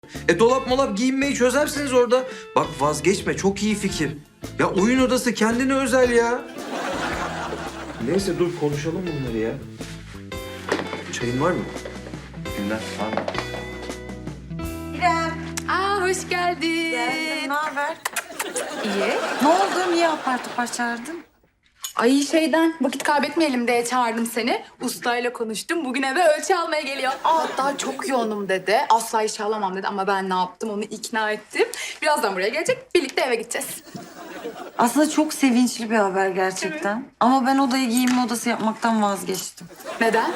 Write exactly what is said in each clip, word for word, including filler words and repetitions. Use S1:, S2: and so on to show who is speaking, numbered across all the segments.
S1: E dolap molap giyinmeyi çözersiniz orada. Bak vazgeçme, çok iyi fikir. Ya oyun odası kendine özel ya. Neyse dur konuşalım bunları ya. Çayın var mı?
S2: Günler var mı?
S3: İrem.
S4: Aa hoş geldin.
S3: Geldim. Ne haber?
S4: İyi.
S3: Ne oldu? Niye apar topar çağırdın?
S4: Ay şeyden vakit kaybetmeyelim diye çağırdım seni. Ustayla konuştum. Bugün eve ölçü almaya geliyor. Aa, hatta çok yoğunum dedi. Asla işe alamam dedi ama ben ne yaptım onu ikna ettim. Birazdan buraya gelecek. Birlikte eve gideceğiz.
S3: Aslında çok sevinçli bir haber gerçekten. Ama ben odayı giyinme odası yapmaktan vazgeçtim.
S4: Neden?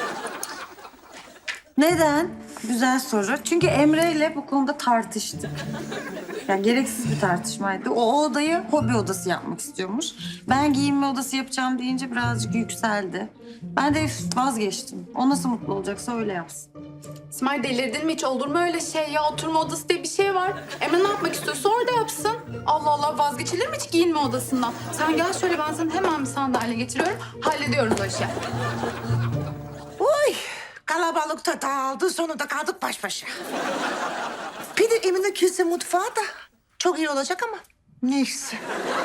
S3: Neden? Güzel soru. Çünkü Emre ile bu konuda tartıştık. Yani gereksiz bir tartışmaydı. O odayı hobi odası yapmak istiyormuş. Ben giyinme odası yapacağım deyince birazcık yükseldi. Ben de vazgeçtim. O nasıl mutlu olacaksa öyle yapsın.
S4: İsmail delirdin mi hiç? Olur mu öyle şey ya? Oturma odası diye bir şey var. Emre ne yapmak istiyorsa orada yapsın. Allah Allah vazgeçilir mi hiç giyinme odasından? Sen gel şöyle ben sana hemen bir sandalye getiriyorum. Hallediyoruz o işi.
S5: Uy, kalabalıkta dağıldı, sonunda kaldık baş başa. Bir de Emine kilise mutfağı da çok iyi olacak ama neyse.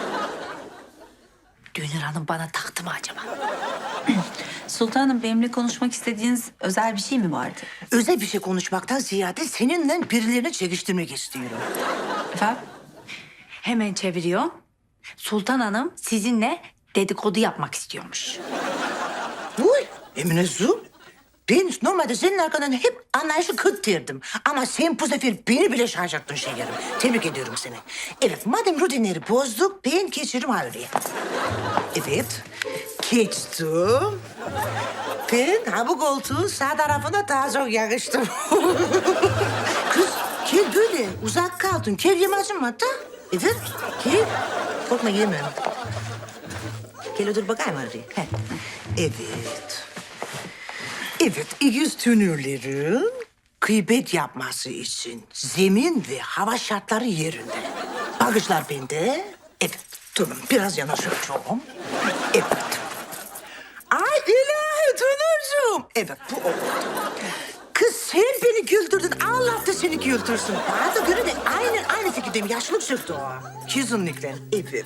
S6: Dünür Hanım bana taktı mı acaba? Sultanım benimle konuşmak istediğiniz özel bir şey mi vardı?
S5: Özel bir şey konuşmaktan ziyade seninle birilerini çekiştirmek istiyorum.
S6: Efendim? Hemen çeviriyor. Sultan Hanım sizinle dedikodu yapmak istiyormuş.
S5: Uy, Emine Su, ben normalde senin arkandan hep anlayışı kıt derdim. Ama sen bu sefer beni bile şaşırttın şekerim. Tebrik ediyorum seni. Evet, madem rutinleri bozduk, ben geçiyorum Harbiye. Evet, geçtim. Ben ha bu koltuğun sağ tarafına daha çok yakıştım. Kız, gel böyle. Uzak kaldın. Gel yemezim hatta. Evet, gel. Korkma yemem. Gel otur bakayım Harbiye. Heh. Evet. Evet, İgiz tünürlerin kıybet yapması için zemin ve hava şartları yerinde. Bagajlar bende. Evet, durun biraz yanaşıyorum. Evet. Ay ilahi Tünürcüğüm. Evet, bu oldu. Kız sen beni güldürdün, Allah da seni güldürsün. Bana da göre de aynen aynı fikirdeyim. Yaşlılık çıktı o. Kesinlikle, evet.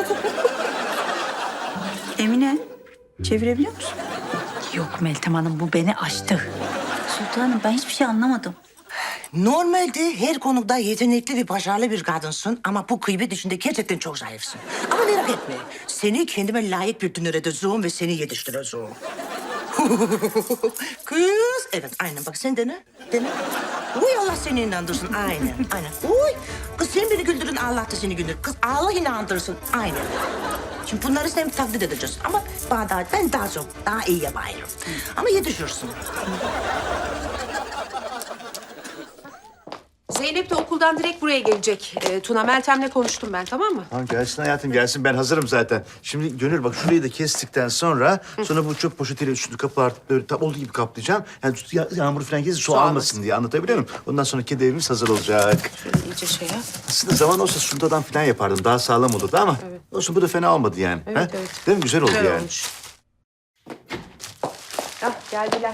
S6: Emine çevirebiliyor musun? Yok Meltem Hanım bu beni aştı. Sultanım ben hiçbir şey anlamadım.
S5: Normalde her konuda yetenekli ve başarılı bir kadınsın ama bu kıybet işinde gerçekten çok zayıfsın. Ama merak etme, seni kendime layık bir dünür edeceğim ve seni yetiştireceğim. Kız, evet aynen bak sen dene, dene. Uy Allah seni inandırsın, aynen, aynen. Uy, kız sen beni güldürün, Allah da seni güldürür. Kız Allah inandırsın, aynen. Şimdi bunları sen taklit edeceğiz ama bana daha, ben daha çok, daha iyi yapayım. Ama yetişirsin.
S7: Zeynep de okuldan direkt buraya gelecek. Ee, Tuna, Meltem'le konuştum ben, tamam mı?
S2: Tamam gelsin hayatım gelsin ben hazırım zaten. Şimdi Gönül bak şurayı da kestikten sonra sonra bu çöp poşetiyle üstünü kapı artık böyle tam olduğu gibi kaplayacağım. Yani ya- yağmur falan gelirse su,
S7: Su
S2: almasın
S7: almasın.
S2: diye anlatabiliyor muyum? Ondan sonra kedi evimiz hazır olacak.
S7: Şöyle iyice şey yap.
S2: Aslında zaman olsa sundadan falan yapardım daha sağlam olurdu ama olsun bu da fena olmadı yani.
S7: Evet,
S2: ha?
S7: evet.
S2: Değil mi? Güzel oldu
S7: Güzel
S2: yani.
S7: olmuş. Ah, geldiler.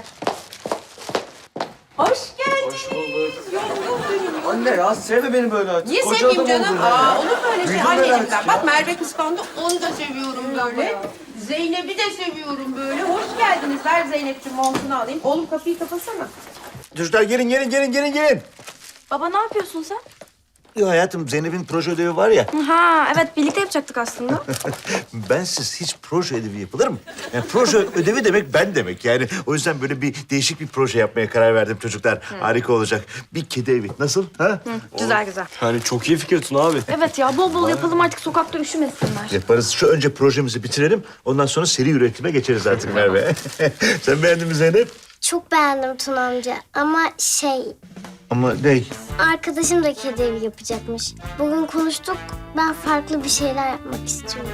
S7: Hoş geldiniz.
S1: Anne ya sevme beni böyle.
S7: Niye
S1: Koca
S7: sevmeyeyim
S1: adam
S7: canım?
S1: oldun ya.
S7: Aa, olur mu öyle şey?
S1: Büyüdüm
S7: Anne
S1: ben
S7: elimden.
S1: artık
S7: Bak
S1: ya.
S7: Merve kıskandı, onu da seviyorum böyle. Zeynep'i de seviyorum böyle. Hoş geldiniz. Ver Zeynep'ciğim montunu alayım. Oğlum kapıyı kapatsana.
S2: Çocuklar gelin gelin gelin gelin gelin.
S8: Baba ne yapıyorsun sen?
S2: Ya hayatım Zeynep'in proje ödevi var ya.
S8: Ha evet birlikte yapacaktık aslında.
S2: Bensiz hiç proje ödevi yapılır mı? Yani proje ödevi demek ben demek yani. O yüzden böyle bir değişik bir proje yapmaya karar verdim çocuklar. Harika olacak. Bir kedi evi. Nasıl? Ha?
S8: Güzel güzel.
S9: Yani çok iyi fikir Tuna abi.
S8: Evet ya bol bol yapalım artık sokakta üşümesinler.
S2: Yaparız. Şu önce projemizi bitirelim. Ondan sonra seri üretime geçeriz artık Merve. Sen beğendin mi Zeynep?
S10: Çok beğendim Tuna amca ama şey,
S2: Ama ne?
S10: arkadaşım da kedi evi yapacakmış. Bugün konuştuk, ben farklı bir şeyler yapmak istiyorum.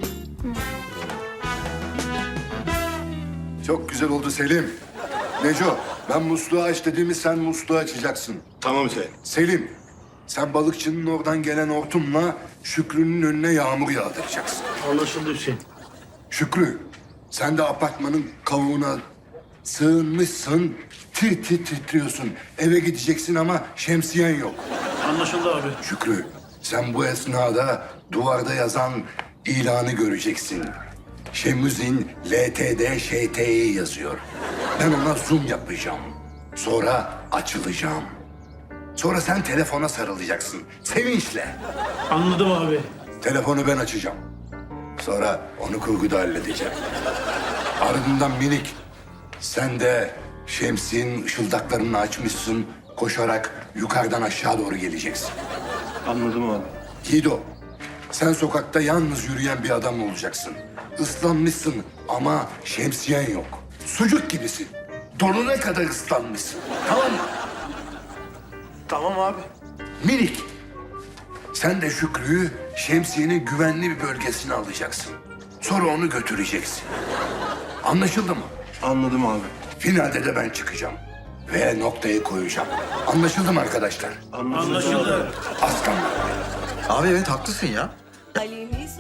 S11: Çok güzel oldu Selim. Neco, ben musluğu aç dediğimi sen musluğu açacaksın.
S9: Tamam Hüseyin.
S11: Selim, sen balıkçının oradan gelen hortumla Şükrü'nün önüne yağmur yağdıracaksın.
S2: Anlaşıldı Hüseyin.
S11: Şükrü, sen de apartmanın kavuğuna Sığınmışsın, tir tir titriyorsun. Eve gideceksin ama şemsiyen yok.
S9: Anlaşıldı abi.
S11: Şükrü, sen bu esnada duvarda yazan ilanı göreceksin. Şemüzin L T D Ş T İ yazıyor. Ben ona zoom yapacağım. Sonra açılacağım. Sonra sen telefona sarılacaksın. Sevinçle.
S9: Anladım abi.
S11: Telefonu ben açacağım. Sonra onu kurguda halledeceğim. Ardından minik, sen de şemsiyenin ışıldaklarını açmışsın. Koşarak yukarıdan aşağı doğru geleceksin.
S9: Anladım abi.
S11: Gido, sen sokakta yalnız yürüyen bir adam olacaksın. Islanmışsın ama şemsiyen yok. Sucuk gibisin. Donuna kadar ıslanmışsın. Tamam mı?
S9: Tamam abi.
S11: Minik, sen de Şükrü'yü şemsiyenin güvenli bir bölgesine alacaksın. Sonra onu götüreceksin. Anlaşıldı mı?
S9: Anladım abi.
S11: Finalde de ben çıkacağım. Ve noktayı koyacağım. Anlaşıldı mı arkadaşlar?
S9: Anlaşıldı.
S11: Aslanlar.
S1: Abi evet haklısın ya.